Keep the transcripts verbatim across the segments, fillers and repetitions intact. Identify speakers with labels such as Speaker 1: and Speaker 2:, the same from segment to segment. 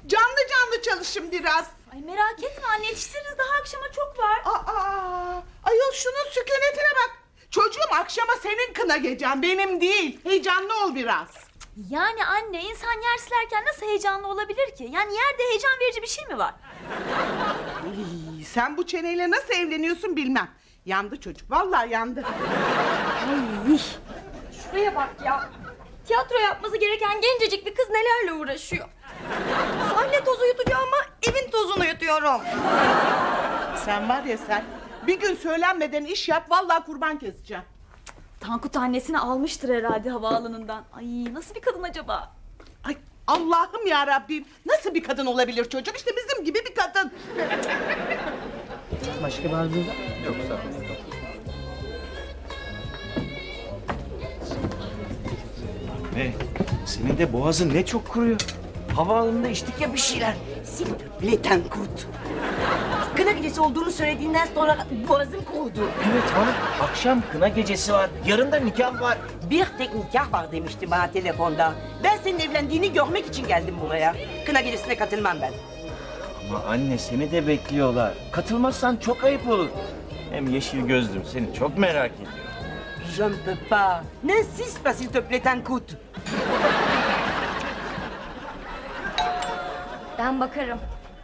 Speaker 1: Canlı canlı çalışın biraz.
Speaker 2: Ay merak etme anne, yetiştiririz, daha akşama çok var.
Speaker 1: Aa, ayol şunun sükunetine bak. Çocuğum, akşama senin kına gecen, benim değil. Heyecanlı ol biraz.
Speaker 2: Yani anne, insan yer silerken nasıl heyecanlı olabilir ki? Yani yerde heyecan verici bir şey mi var?
Speaker 1: İy, sen bu çeneyle nasıl evleniyorsun bilmem. Yandı çocuk, vallahi yandı.
Speaker 2: Ay, şuraya bak ya. Tiyatro yapması gereken gencecik bir kız nelerle uğraşıyor.
Speaker 3: Sahne tozu yutacağım ama evin tozunu yutuyorum.
Speaker 1: Sen var ya sen, bir gün söylenmeden iş yap, vallahi kurban keseceğim.
Speaker 2: Tankut annesini almıştır herhalde havaalanından. Ay, nasıl bir kadın acaba?
Speaker 1: Ay Allah'ım ya Rabbim, nasıl bir kadın olabilir çocuk? İşte bizim gibi bir kadın.
Speaker 4: Başka bir arzunuz var?
Speaker 5: Yok sağ ol.
Speaker 4: Ne? Senin de boğazın ne çok kuruyor. Havaalanında içtik ya bir şeyler.
Speaker 3: S'il te plaît Tankut. Kına gecesi olduğunu söylediğinden sonra boğazım kurudu.
Speaker 4: Evet hanım, akşam kına gecesi var. Yarın da nikah var.
Speaker 3: Bir tek nikah var demişti bana telefonda. Ben senin evlendiğini görmek için geldim buraya. Kına gecesine katılmam ben.
Speaker 4: Ama anne seni de bekliyorlar. Katılmazsan çok ayıp olur. Hem yeşil gözlüm seni çok merak ediyor.
Speaker 3: Je ne peux pas. N'insiste pas s'il te plaît Tankut.
Speaker 2: Ben bakarım.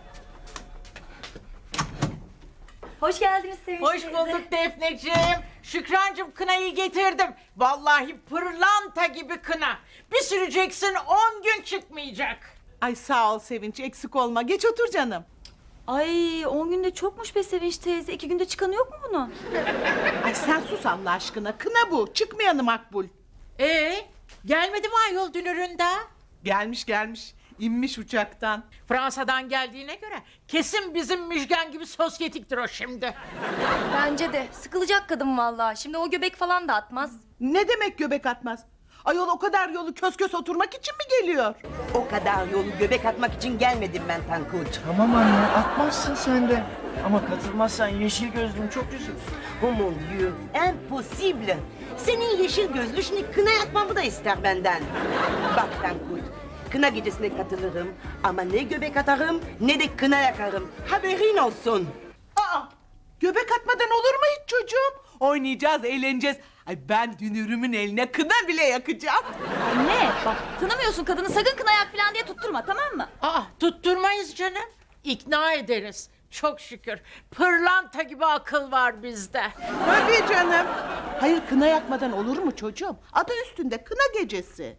Speaker 2: Hoş geldiniz Sevinç
Speaker 6: Hoş
Speaker 2: teyze.
Speaker 6: bulduk Defneciğim. Şükrancığım, kınayı getirdim. Vallahi pırlanta gibi kına. Bir süreceksin, on gün çıkmayacak.
Speaker 1: Ay sağ ol Sevinç, eksik olma. Geç otur canım.
Speaker 2: Ay, on günde çokmuş be Sevinç teyze. İki günde çıkanı yok mu bunun?
Speaker 1: Ay sen sus Allah aşkına, kına bu. Çıkmayanı makbul.
Speaker 6: Ee, gelmedi mi ayol dünüründe?
Speaker 1: Gelmiş gelmiş, inmiş uçaktan.
Speaker 6: Fransa'dan geldiğine göre kesin bizim Müjgan gibi sosyetiktir o şimdi.
Speaker 7: Bence de. Sıkılacak kadın vallahi. Şimdi o göbek falan da atmaz.
Speaker 1: Ne demek göbek atmaz? Ayol o kadar yolu kös kös oturmak için mi geliyor?
Speaker 3: O kadar yolu göbek atmak için gelmedim ben Tankut.
Speaker 4: Tamam anne, atmazsın sen de. Ama katılmazsan yeşil gözlüm çok üzülür.
Speaker 3: Oh mon dieu, impossible. Senin yeşil gözlü şimdi kına yakmamı da ister benden. Bak Tankut, kına gecesine katılırım ama ne göbek atarım ne de kına yakarım. Haberin olsun.
Speaker 1: Aa, göbek atmadan olur mu hiç çocuğum? Oynayacağız, eğleneceğiz. Ay ben dünürümün eline kına bile yakacağım.
Speaker 2: Anne, bak tanımıyorsun kadını, sakın kına yak falan diye tutturma, tamam mı?
Speaker 6: Aa, tutturmayız canım. İkna ederiz. Çok şükür. Pırlanta gibi akıl var bizde.
Speaker 1: Tabii canım. Hayır, kına yakmadan olur mu çocuğum? Adı üstünde, kına gecesi.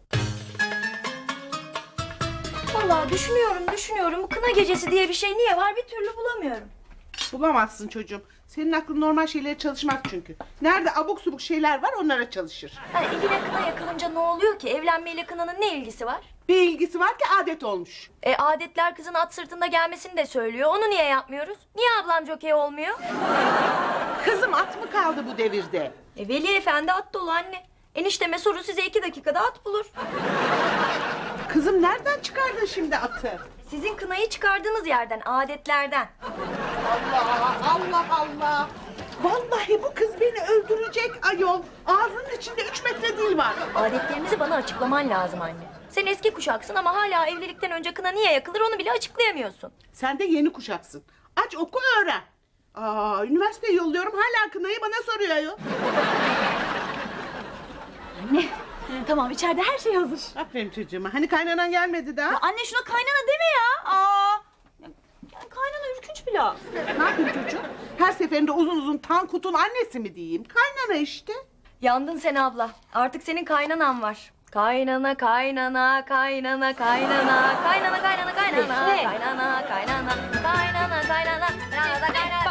Speaker 7: Vallahi düşünüyorum, düşünüyorum. Bu kına gecesi diye bir şey niye var bir türlü bulamıyorum.
Speaker 1: Bulamazsın çocuğum. Senin aklın normal şeylere çalışmaz çünkü. Nerede abuk subuk şeyler var, onlara çalışır.
Speaker 7: Yani eline kına yakılınca ne oluyor ki? Evlenmeyle kınanın ne ilgisi var?
Speaker 1: Bir ilgisi var ki adet olmuş.
Speaker 7: E adetler kızın at sırtında gelmesini de söylüyor. Onu niye yapmıyoruz? Niye ablam jokey olmuyor?
Speaker 1: Kızım, at mı kaldı bu devirde?
Speaker 7: E Veli Efendi at dolu anne. Enişteme soru size iki dakikada at bulur.
Speaker 1: Kızım nereden çıkardın şimdi atı?
Speaker 7: Sizin kınayı çıkardığınız yerden, adetlerden.
Speaker 1: Allah Allah Allah. Vallahi bu kız beni öldürecek ayol. Ağzının içinde üç metre dil var.
Speaker 7: Adetlerinizi bana açıklaman lazım anne. Sen eski kuşaksın ama hala evlilikten önce kına niye yakılır onu bile açıklayamıyorsun.
Speaker 1: Sen de yeni kuşaksın. Aç oku öğren. Aa, üniversiteye yolluyorum, hala kınayı bana soruyor ayol.
Speaker 2: Anne, tamam, içeride her şey hazır.
Speaker 1: Aferin çocuğuma. Hani kaynanan gelmedi daha?
Speaker 2: Ya anne, şuna kaynana deme ya. Aa, ya, yani kaynana ürkünç bir laf.
Speaker 1: Ne yapayım çocuğum? Her seferinde uzun uzun Tankut'un annesi mi diyeyim? Kaynana işte.
Speaker 7: Yandın sen abla. Artık senin kaynanan var. Kaynana kaynana kaynana kaynana kaynana kaynana kaynana
Speaker 2: Defne.
Speaker 7: kaynana kaynana kaynana kaynana kaynana kaynana